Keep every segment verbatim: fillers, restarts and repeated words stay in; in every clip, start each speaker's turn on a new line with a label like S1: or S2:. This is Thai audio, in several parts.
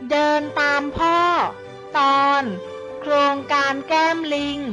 S1: เดินตามพ่อตอนโครงการแก้มลิง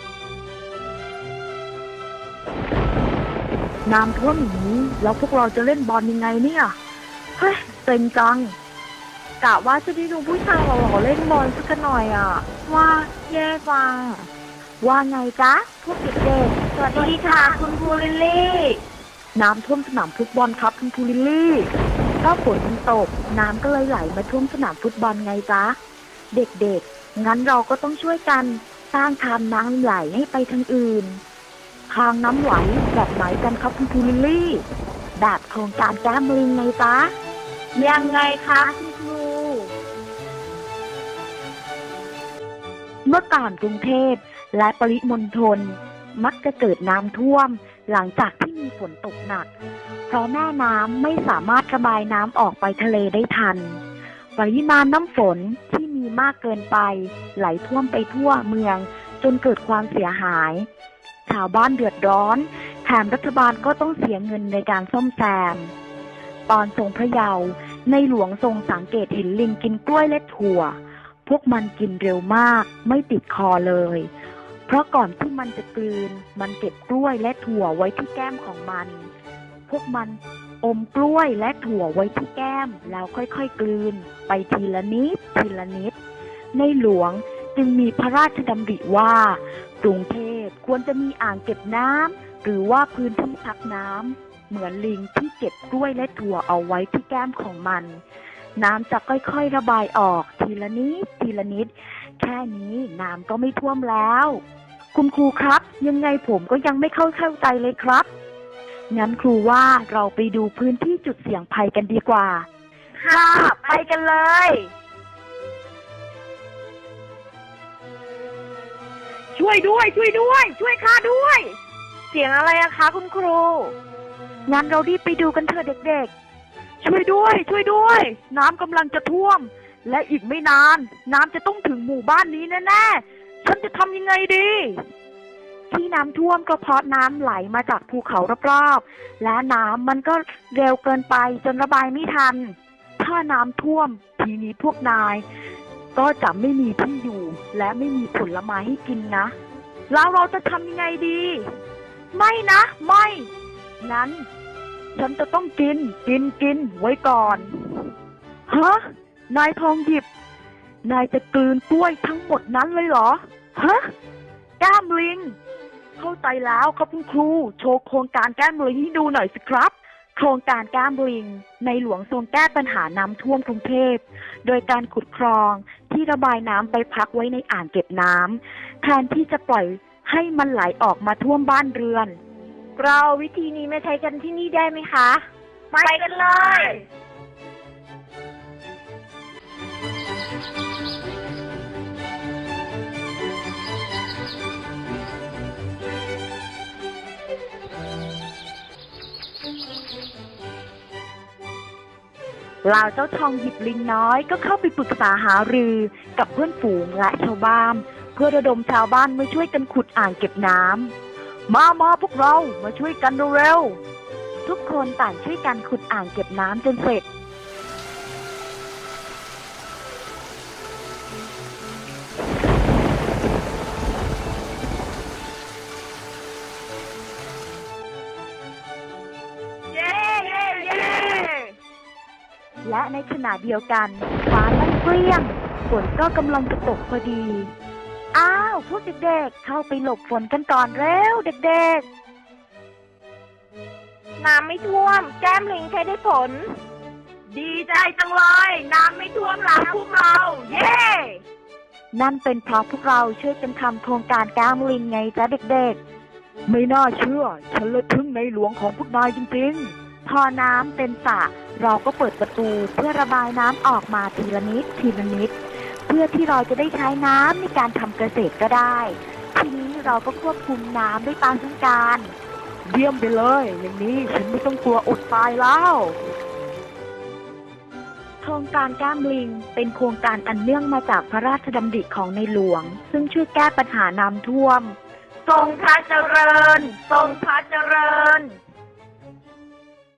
S2: น้ำท่วมอย่างนี้แล้วพวกเราจะเล่นบอลยังไงเนี่ยเฮ้ยเซ็งจังกะว่าจะได้ดูผู้ชายหล่อๆเล่นบอลสักหน่อยอ่ะว่าแย่จังว่าไงจ๊ะพวกเด็กๆสวัสดีค่ะคุณครูลิลลี่น้ำท่วมสนามฟุตบอลครับคุณครูลิลลี่ถ้าฝนมันตกน้ำก็เลยไหลมาท่วมสนามฟุตบอลไงจ๊ะเด็กๆงั้นเราก็ต้องช่วยกันสร้างทางน้ำไหลให้ไปทางอื่นทางน้ำไหลแบบไหนกันครับคุณครูลิลลี่แบบโครงการแก้มลิงไงจ๊ะยังไงคะคุณครูเมื่อก่อนกรุงเทพและปริมณฑลมักจะเกิดน้ำท่วมหลังจากที่มีฝนตกหนักเพราะแม่น้ำไม่สามารถระบายน้ำออกไปทะเลได้ทันปริมาณน้ำฝนที่มีมากเกินไปไหลท่วมไปทั่วเมืองจนเกิดความเสียหายชาวบ้านเดือดร้อนแถมรัฐบาลก็ต้องเสียเงินในการซ่อมแซมตอนทรงพระเยาว์ในหลวงทรงสังเกตเห็นลิงกินกล้วยและถั่วพวกมันกินเร็วมากไม่ติดคอเลยเพราะก่อนที่มันจะกลืนมันเก็บกล้วยและถั่วไว้ที่แก้มของมันพวกมันอมกล้วยและถั่วไว้ที่แก้มแล้วค่อยๆกลืนไปทีละนิดทีละนิดในหลวงจึงมีพระราชดำริว่ากรุงเทพควรจะมีอ่างเก็บน้ำหรือว่าพื้นที่พักน้ำเหมือนลิงที่เก็บกล้วยและถั่วเอาไว้ที่แก้มของมันน้ำจะค่อยๆระบายออกทีละนิดทีละนิดแค่นี้น้ำก็ไม่ท่วมแล้วคุณครูครับยังไงผมก็ยังไม่เข้าเข้าใจเลยครับงั้นครูว่าเราไปดูพื้นที่จุดเสี่ยงภัยกันดีกว่าค่ะไปกันเลยช่วยด้วยช่วยด้วยช่วยข้าด้วยเสียงอะไรอะคะคุณครูงั้นเรารีบไปดูกันเถอะเด็กๆช่วยด้วยช่วยด้วยน้ำกำลังจะท่วมและอีกไม่นานน้ำจะต้องถึงหมู่บ้านนี้แน่ๆฉันจะทำยังไงดีที่น้ำท่วมก็เพราะน้ำไหลมาจากภูเขารอบๆและน้ำมันก็เร็วเกินไปจนระบายไม่ทันถ้าน้ำท่วมทีนี้พวกนายก็จะไม่มีที่อยู่และไม่มีผลไม้ให้กินนะแล้วเราจะทำยังไงดีไม่นะไม่งั้นฉันจะต้องกินกินกินไว้ก่อนฮะนายทองหยิบนายจะกลืนกล้วยทั้งหมดนั้นเลยเหรอฮะแก้มลิงเข้าใจแล้วครับคุณครูโชว์โครงการแก้มลิงให้ดูหน่อยสิครับโครงการแก้มลิงในหลวงทรงแก้ปัญหาน้ำท่วมกรุงเทพโดยการขุดคลองที่ระบายน้ำไปพักไว้ในอ่างเก็บน้ำแทนที่จะปล่อยให้มันไหลออกมาท่วมบ้านเรือนเราวิธีนี้ไม่ใช้กันที่นี่ได้ไหมคะไปกันเลยเหล่าเจ้าทองหยิบลิงน้อยก็เข้าไปปรึกษาหารือกับเพื่อนฝูงและชาวบ้านเพื่อระดมชาวบ้านมาช่วยกันขุดอ่างเก็บน้ำมามาพวกเรามาช่วยกันเร็วๆทุกคนต่างช่วยกันขุดอ่างเก็บน้ำจนเสร็จและในขณะเดียวกันฟ้าลั่นเปรี้ยงฝนก็กำลังจะตกพอดีอ้าวพวกเด็กๆเข้าไปหลบฝนกันก่อนเร็วเด็กๆน้ำไม่ท่วมแก้มลิงใช้ได้ผลดีใจจังเลยน้ำไม่ท่วมแล้วพวกเราเย้นั่นเป็นเพราะพวกเราช่วยกันทำโครงการแก้มลิงไงจ๊ะเด็กๆไม่น่าเชื่อฉันเลยทึ่งในหลวงของพวกนายจริงๆพอน้ำเต็มสระเราก็เปิดประตูเพื่อระบายน้ำออกมาทีละนิดทีละนิดเพื่อที่เราจะได้ใช้น้ำในการทำเกษตรก็ได้ทีนี้เราก็ควบคุมน้ำด้วยตามต้องการเยี่ยมไปเลยอย่างนี้ฉันไม่ต้องกลัวอดตายแล้วโครงการแก้มลิงเป็นโครงการอันเนื่องมาจากพระราชดำริของในหลวงซึ่งช่วยแก้ปัญหาน้ำท่วมทรงพระเจริญทรงพระเจริญ